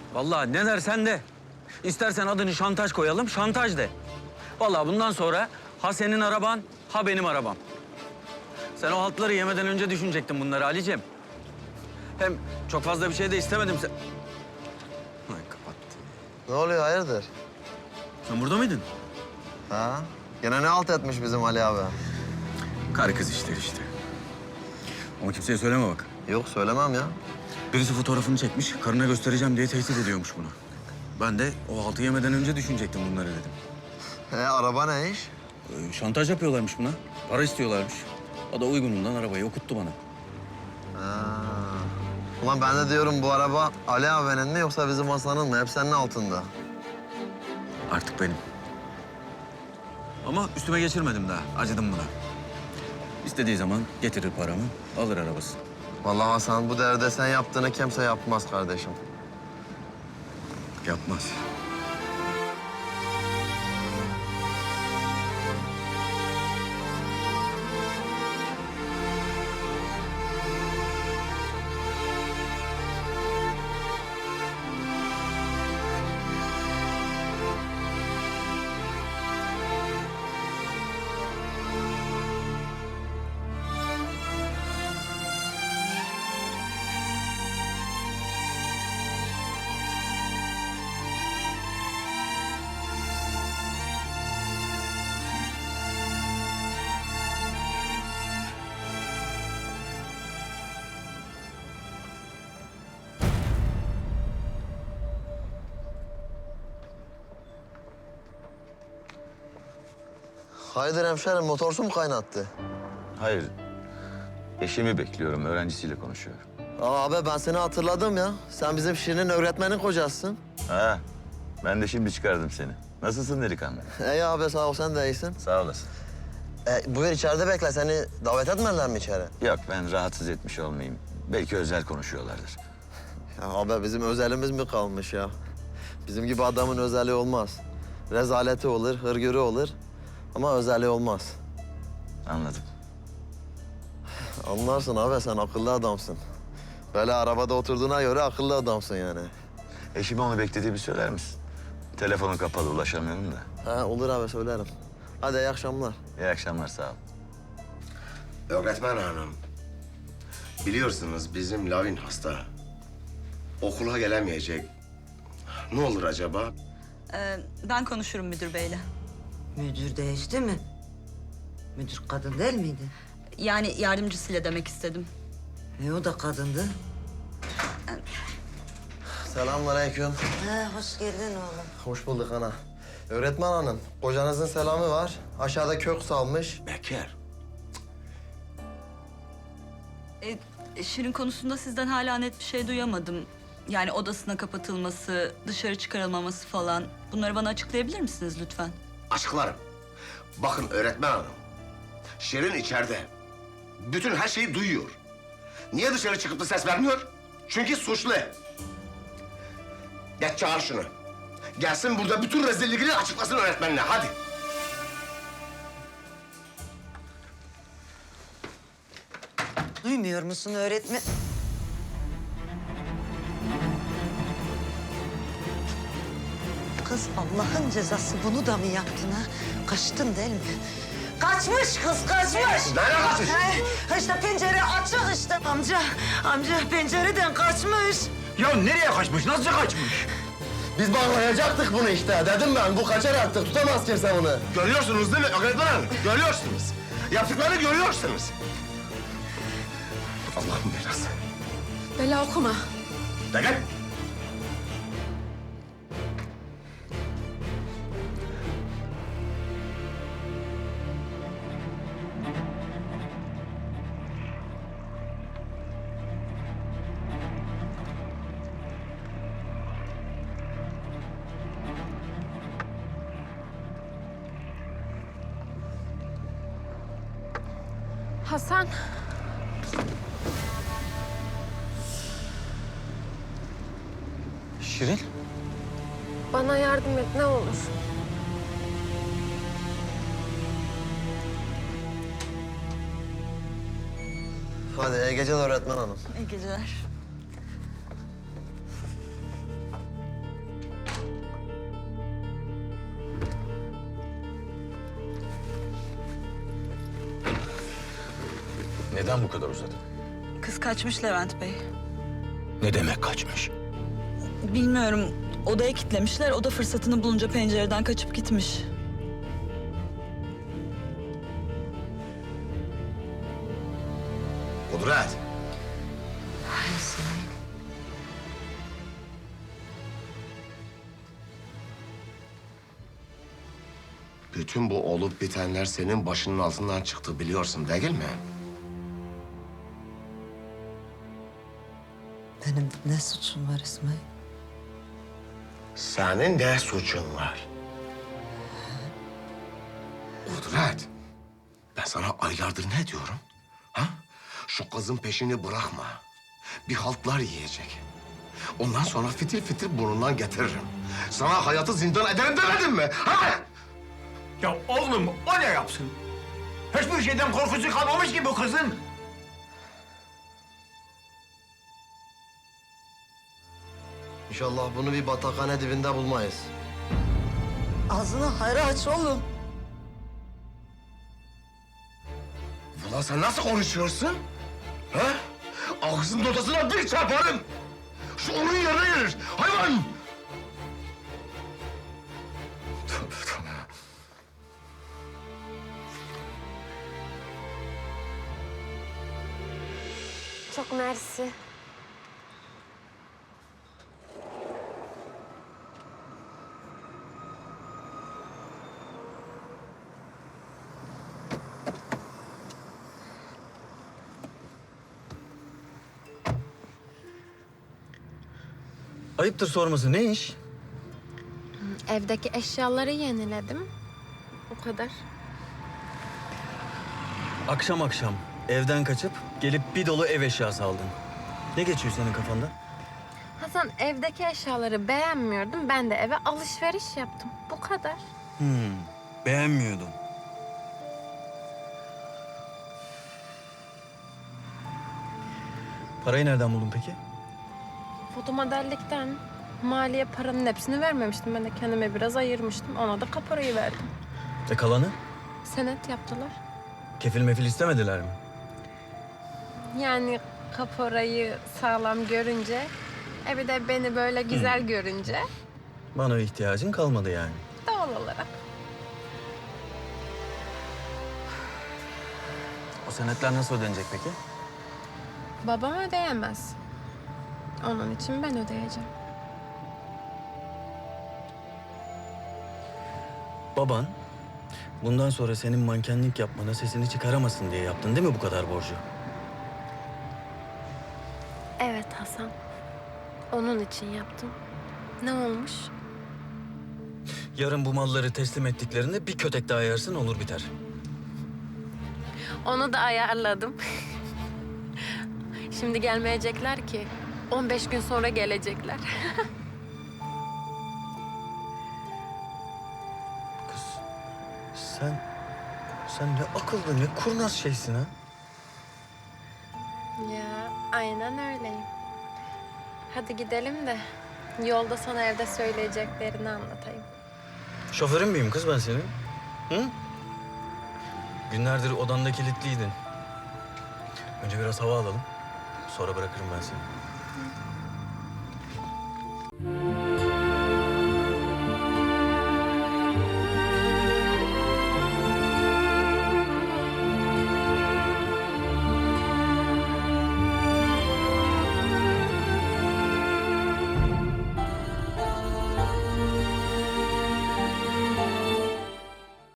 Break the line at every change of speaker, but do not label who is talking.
Vallahi ne dersen de. İstersen adını şantaj koyalım, şantaj de. Vallahi bundan sonra ha senin araban, ha benim arabam. Sen o haltları yemeden önce düşünecektin bunları Ali'ciğim. Hem çok fazla bir şey de istemedim sen... Ay kapattı.
Ne oluyor hayırdır?
Sen burada mıydın?
Ha? Gene ne alt etmiş bizim Ali abi?
Karı kız işleri işte. Ama kimseye söyleme bak.
Yok söylemem ya.
Birisi fotoğrafını çekmiş, karına göstereceğim diye tehdit ediyormuş bunu. Ben de o haltı yemeden önce düşünecektim bunları dedim.
Araba ne iş?
Şantaj yapıyorlarmış buna. Para istiyorlarmış. O da uygunundan arabayı okuttu bana.
Ha. Ulan ben de diyorum bu araba Ali abinin mi yoksa bizim Hasan'ın mı? Hep senin altında.
Artık benim. Ama üstüme geçirmedim daha. Acıdım buna. İstediği zaman getirir paramı, alır arabasını.
Vallahi Hasan bu devirde sen yaptığını kimse yapmaz kardeşim.
Yapmaz.
Hayırdır hemşerim motorsu mu kaynattı?
Hayır. Eşimi bekliyorum. Öğrencisiyle konuşuyorum.
Abi ben seni hatırladım ya. Sen bizim Şirin'in öğretmenin kocasısın.
Ha. Ben de şimdi çıkardım seni. Nasılsın delikanlı?
İyi abi sağ ol sen de iyisin.
Sağ olasın.
Buyur içeride bekle seni davet etmediler mi içeri?
Yok ben rahatsız etmiş olmayayım. Belki özel konuşuyorlardır.
Ya abi bizim özelimiz mi kalmış ya? Bizim gibi adamın özeli olmaz. Rezaleti olur, hırgürü olur ama özeli olmaz.
Anladım.
Anlarsın abi sen akıllı adamsın. Böyle arabada oturduğuna göre akıllı adamsın yani.
Eşime onu beklediğimi söyler misin? Telefonu kapalı ulaşamıyorum da.
Ha olur abi söylerim. Hadi iyi akşamlar.
İyi akşamlar sağ ol.
Öğretmen hanım, biliyorsunuz bizim Lavin hasta. Okula gelemeyecek. Ne olur acaba?
Ben konuşurum müdür beyle.
Müdür değişti mi? Müdür kadın değil miydi?
Yani yardımcısıyla demek istedim.
O da kadındı.
Selamünaleyküm.
Hoş geldin oğlum.
Hoş bulduk ana. Öğretmen hanım, kocanızın selamı var. Aşağıda kök salmış.
Bekar.
Şirin konusunda sizden hala net bir şey duyamadım. Yani odasına kapatılması, dışarı çıkarılmaması falan. Bunları bana açıklayabilir misiniz lütfen?
Açıklarım. Bakın öğretmen hanım, Şirin içeride. Bütün her şeyi duyuyor. Niye dışarı çıkıp da ses vermiyor? Çünkü suçlu. Geç çağır şunu. Gelsin burada bütün rezillikleri açıklasın öğretmenine. Hadi.
Duymuyor musun öğretmen? Kız Allah'ın cezası bunu da mı yaptın ha? Kaçtın değil mi? Kaçmış kız kaçmış.
Nereye kaçmış?
İşte pencere açık işte. Amca pencereden kaçmış.
Ya nereye kaçmış? Nasıl kaçmış?
Biz bağlayacaktık bunu işte. Dedim ben bu kaçar artık. Tutamaz kimse bunu.
Görüyorsunuz değil mi öğretmen hanım? Görüyorsunuz. Yaptıklarını görüyorsunuz. Allah'ın belası.
Bela okuma.
De gel.
Hasan.
Şirin?
Bana yardım et ne olur.
Hadi iyi geceler öğretmen hanım.
İyi geceler.
Neden bu kadar uzadı?
Kız kaçmış Levent Bey.
Ne demek kaçmış?
Bilmiyorum. Odaya kilitlemişler. O da fırsatını bulunca pencereden kaçıp gitmiş.
Kudret. Bütün bu olup bitenler senin başının altından çıktı biliyorsun değil mi?
Benim ne suçum var İsmail?
Senin ne suçun var? Kudret, ben sana aylardır ne diyorum? Ha? Şu kızın peşini bırakma. Bir haltlar yiyecek. Ondan sonra fitil fitil burnundan getiririm. Sana hayatı zindan ederim demedim mi? Ha?
Ya oğlum o ne yapsın? Hiçbir şeyden korkusu kalmamış ki bu kızın.
İnşallah bunu bir batakhane dibinde bulmayız.
Ağzını hayra aç oğlum.
Ulan sen nasıl konuşuyorsun? Ha? Ağzının ortasına bir çarparım. Şu onun yerine gelir. Hayvan! Tövbe tövbe.
Çok mersi.
Ayıptır sorması, ne iş?
Evdeki eşyaları yeniledim. O kadar.
Akşam akşam evden kaçıp gelip bir dolu ev eşyası aldın. Ne geçiyor senin kafanda?
Hasan, evdeki eşyaları beğenmiyordum. Ben de eve alışveriş yaptım. Bu kadar.
Beğenmiyordun. Parayı nereden buldun peki?
Fotomodellikten. Maliye paranın hepsini vermemiştim. Ben de kendime biraz ayırmıştım. Ona da kaporayı verdim.
Kalanı?
Senet yaptılar.
Kefil mefil istemediler mi?
Yani kaporayı sağlam görünce, bir de beni böyle güzel görünce
Bana ihtiyacın kalmadı yani.
doğal olarak.
O senetler nasıl ödenecek peki?
Babam ödeyemez. Onun için ben ödeyeceğim.
Baban bundan sonra senin mankenlik yapmana sesini çıkaramasın diye yaptın değil mi bu kadar borcu?
Evet Hasan. Onun için yaptım. Ne olmuş?
Yarın bu malları teslim ettiklerinde bir kötek daha yersin olur biter.
Onu da ayarladım. Şimdi gelmeyecekler ki. 15 gün sonra gelecekler.
Kız sen ne akıllı ne kurnaz şeysin ha.
Ya aynen öyleyim. Hadi gidelim de yolda sana evde söyleyeceklerini anlatayım.
Şoförün müyüm kız ben senin? Hı? Günlerdir odanda kilitliydin. Önce biraz hava alalım. Sonra bırakırım ben seni.